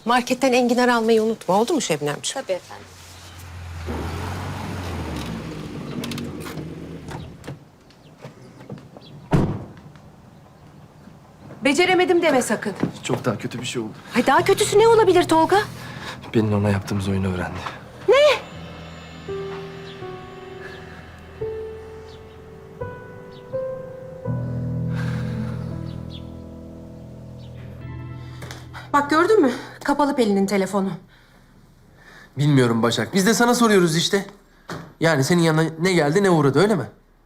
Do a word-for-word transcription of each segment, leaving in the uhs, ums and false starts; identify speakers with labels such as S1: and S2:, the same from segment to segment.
S1: Marketten enginar almayı unutma. Oldu mu Şebnemciğim?
S2: Tabii efendim.
S1: Beceremedim deme sakın.
S3: Çok daha kötü bir şey oldu.
S1: Ay daha kötüsü ne olabilir Tolga?
S3: Pelin ona yaptığımız oyunu öğrendi.
S1: Bak gördün mü? Kapalı Pelin'in telefonu.
S3: Bilmiyorum Başak. Biz de sana soruyoruz işte. Yani senin yanına ne geldi ne uğradı öyle mi?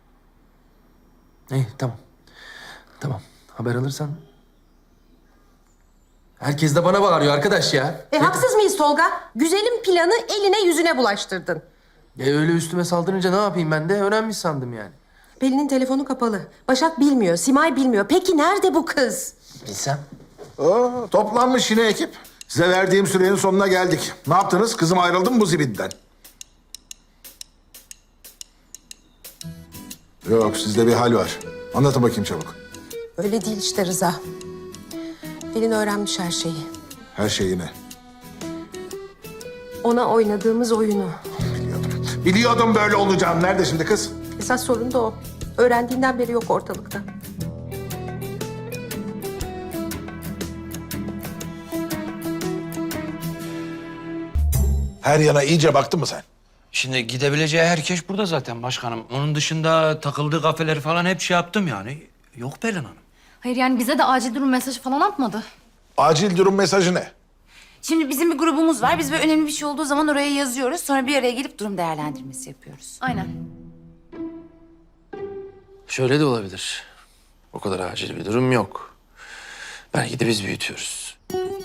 S3: İyi tamam. Tamam. Haber alırsan. Herkes de bana bağırıyor arkadaş ya.
S1: E haksız mıyız Tolga? Güzelim planı eline yüzüne bulaştırdın.
S3: E öyle üstüme saldırınca ne yapayım ben de öğrenmiş sandım yani.
S1: Pelin'in telefonu kapalı. Başak bilmiyor, Simay bilmiyor. Peki nerede bu kız?
S3: Bilsem.
S4: Oo, toplanmış yine ekip. Size verdiğim sürenin sonuna geldik. Ne yaptınız? Kızım ayrıldı mı bu zibitten? Yok, sizde bir hal var. Anlatın bakayım çabuk.
S1: Öyle değil işte Rıza. Pelin öğrenmiş her şeyi.
S4: Her şeyini.
S1: Ona oynadığımız oyunu.
S4: Biliyordum. Biliyordum böyle olacağını. Nerede şimdi kız?
S1: Esas sorun da o. Öğrendiğinden beri yok ortalıkta.
S4: Her yana iyice baktın mı sen?
S5: Şimdi gidebileceği herkes burada zaten başkanım. Onun dışında takıldığı kafeleri falan hep şey yaptım yani. Yok Pelin Hanım.
S2: Hayır yani bize de acil durum mesajı falan atmadı.
S4: Acil durum mesajı ne?
S6: Şimdi bizim bir grubumuz var. Biz böyle önemli bir şey olduğu zaman oraya yazıyoruz. Sonra bir araya gelip durum değerlendirmesi yapıyoruz.
S2: Aynen.
S3: Şöyle de olabilir. O kadar acil bir durum yok. Belki de biz büyütüyoruz.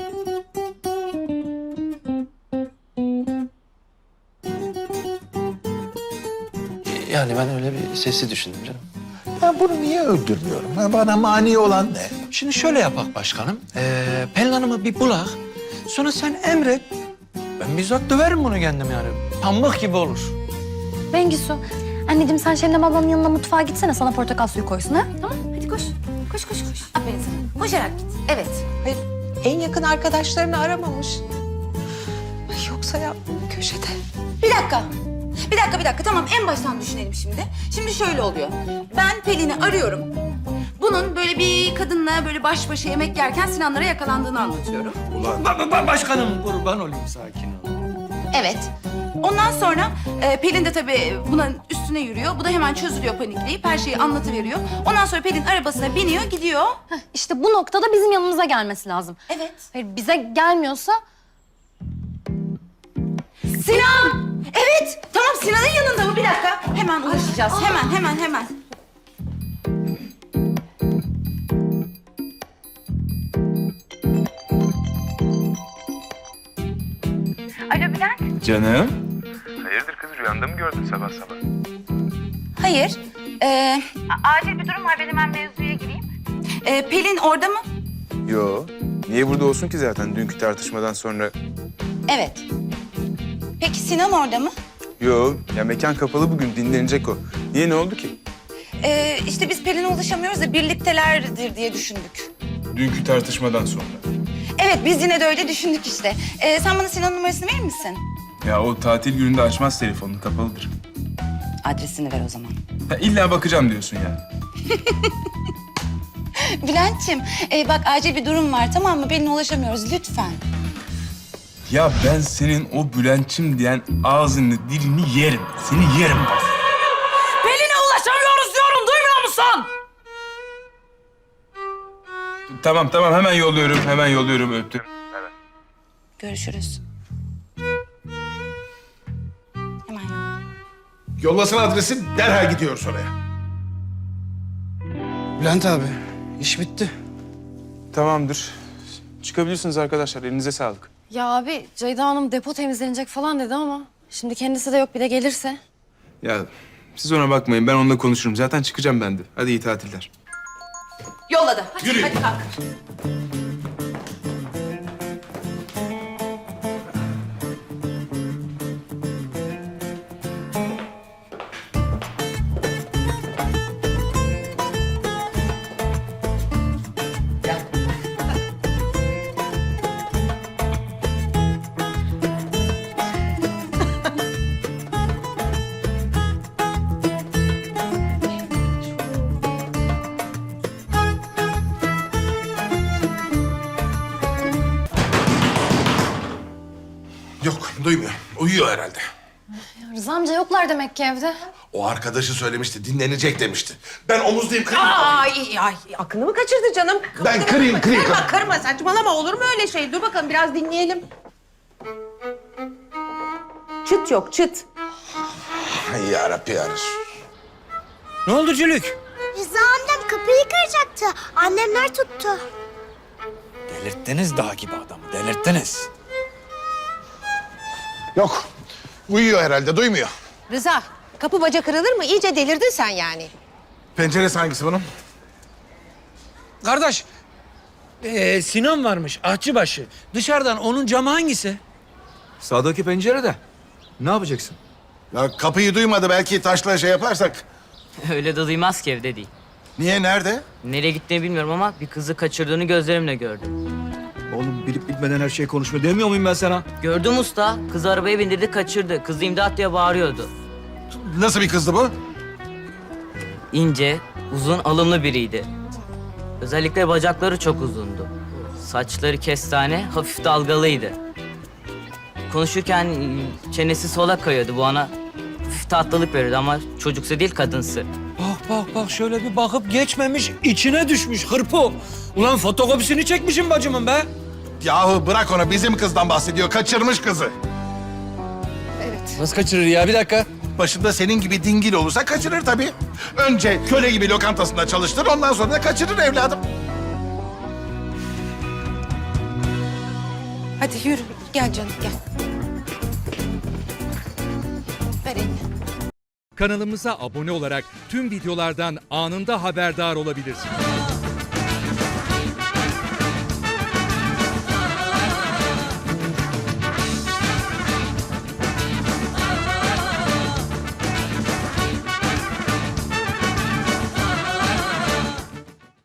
S3: Yani ben öyle bir sesi düşündüm canım.
S4: Ben bunu niye öldürmüyorum? Ha, bana mani olan ne?
S5: Şimdi şöyle yapak başkanım. Ee, Pelin Hanım'ı bir bulak. Sonra sen emret. Ben bizzat döverim bunu kendim yani. Pamuk gibi olur.
S2: Bengisu, anneciğim sen Şebnem ablanın yanına mutfağa gitsene sana portakal suyu koysun ha?
S6: Tamam, hadi koş. Koş, koş, koş. Aferin sana. Koşarak git. Evet.
S1: Hayır, en yakın arkadaşlarını aramamış. Ay yoksa ya köşede.
S6: Bir dakika. Bir dakika, bir dakika. Tamam, en baştan düşünelim şimdi. Şimdi şöyle oluyor. Ben Pelin'i arıyorum. Bunun böyle bir kadınla böyle baş başa yemek yerken Sinanlara yakalandığını anlatıyorum.
S5: Ba- ba- başkanım kurban olayım sakin ol.
S6: Evet. Ondan sonra e, Pelin de tabii buna üstüne yürüyor. Bu da hemen çözülüyor panikleyip her şeyi anlatıveriyor. Ondan sonra Pelin arabasına biniyor, gidiyor.
S2: Heh, işte bu noktada bizim yanımıza gelmesi lazım.
S6: Evet.
S2: Hayır bize gelmiyorsa
S6: Sinan! Evet! Tamam, Sinan'ın yanında mı? Bir dakika. Hemen ulaşacağız. Hemen, hemen, hemen. Alo Bülent.
S7: Canım.
S8: Hayırdır kız, rüyanda mı gördün sabah sabah?
S6: Hayır. Ee, acil bir durum var. Ben hemen mevzuya gireyim. Ee, Pelin orada mı?
S7: Yo. Niye burada olsun ki zaten dünkü tartışmadan sonra?
S6: Evet. Peki Sinan orada mı?
S7: Yo. Ya mekan kapalı bugün dinlenecek o. Niye ne oldu ki?
S6: Ee, işte biz Pelin'e ulaşamıyoruz da birliktelerdir diye düşündük.
S7: Dünkü tartışmadan sonra.
S6: Evet, biz yine de öyle düşündük işte. Ee, sen bana Sinan'ın numarasını verir misin?
S7: Ya o tatil gününde açmaz telefonunu kapalıdır.
S6: Adresini ver o zaman.
S7: Ha, illa bakacağım diyorsun yani.
S6: Bülent'ciğim, e, bak acil bir durum var tamam mı? Pelin'e ulaşamıyoruz lütfen.
S7: Ya ben senin o Bülent'çim diyen ağzını dilini yerim. Seni yerim bak.
S6: Pelin'e ulaşamıyoruz diyorum, duymuyor musun?
S7: Tamam tamam hemen yolluyorum. Hemen yolluyorum öptüm.
S6: Görüşürüz. Hemen yolluyorum.
S4: Yollasın adresi, derhal gidiyoruz oraya.
S9: Bülent abi, iş bitti.
S7: Tamamdır. Çıkabilirsiniz arkadaşlar. Elinize sağlık.
S2: ya abi Ceyda Hanım depo temizlenecek falan dedi ama şimdi kendisi de yok bir de gelirse.
S7: Ya siz ona bakmayın. Ben onunla konuşurum. Zaten çıkacağım ben de. Hadi iyi tatiller.
S6: Yolladı. Hadi,
S4: Yürü.
S6: hadi kalk.
S4: Duymuyor. Uyuyor herhalde.
S2: Rıza amca yoklar demek ki evde.
S4: O arkadaşı söylemişti, dinlenecek demişti. Ben omuzdayım, kırayım.
S1: Ay, ay, aklını mı kaçırdı canım?
S4: Ben kırayım, kırayım.
S1: Kırma, kırma, saçmalama. Olur mu öyle şey? Dur bakalım, biraz dinleyelim. Çıt yok, çıt.
S4: Ay yarabbi yarış.
S5: Ne oldu Cülük?
S10: Rıza annem kapıyı kıracaktı. Annemler tuttu.
S5: Delirttiniz dağ gibi adamı, delirttiniz.
S4: Yok, uyuyor herhalde, duymuyor.
S1: Rıza, kapı baca kırılır mı? İyice delirdin sen yani.
S4: Penceresi hangisi bunun?
S5: Kardeş, ee, Sinan varmış, ahçıbaşı. Dışarıdan onun camı hangisi?
S9: Sağdaki pencerede. Ne yapacaksın?
S4: Ya kapıyı duymadı, belki taşla şey yaparsak.
S11: Öyle de duymaz ki evde değil.
S4: Niye, nerede?
S11: Nereye gittiğini bilmiyorum ama bir kızı kaçırdığını gözlerimle gördüm.
S9: Oğlum bilip bilmeden her şeyi konuşma demiyor muyum ben sana?
S11: Gördüm usta. Kızı arabaya bindirdi kaçırdı. Kız imdat diye bağırıyordu.
S4: Nasıl bir kızdı bu?
S11: İnce, uzun, alımlı biriydi. Özellikle bacakları çok uzundu. Saçları kestane, hafif dalgalıydı. Konuşurken e, çenesi sola kayıyordu bu ana. Hafif tatlılık veriyordu ama çocuksu değil kadınsı.
S5: Bak bak bak şöyle bir bakıp geçmemiş, içine düşmüş hırpo. Ulan fotokopisini çekmişim bacımın be.
S4: Yahu bırak onu, bizim kızdan bahsediyor, kaçırmış kızı.
S9: Nasıl kaçırır ya? Bir dakika.
S4: Başında senin gibi dingil olursa kaçırır tabii. Önce köle gibi lokantasında çalıştır, ondan sonra da kaçırır evladım.
S1: Hadi yürü, gel canım, gel. Ver elini.
S12: Kanalımıza abone olarak tüm videolardan anında haberdar olabilirsiniz.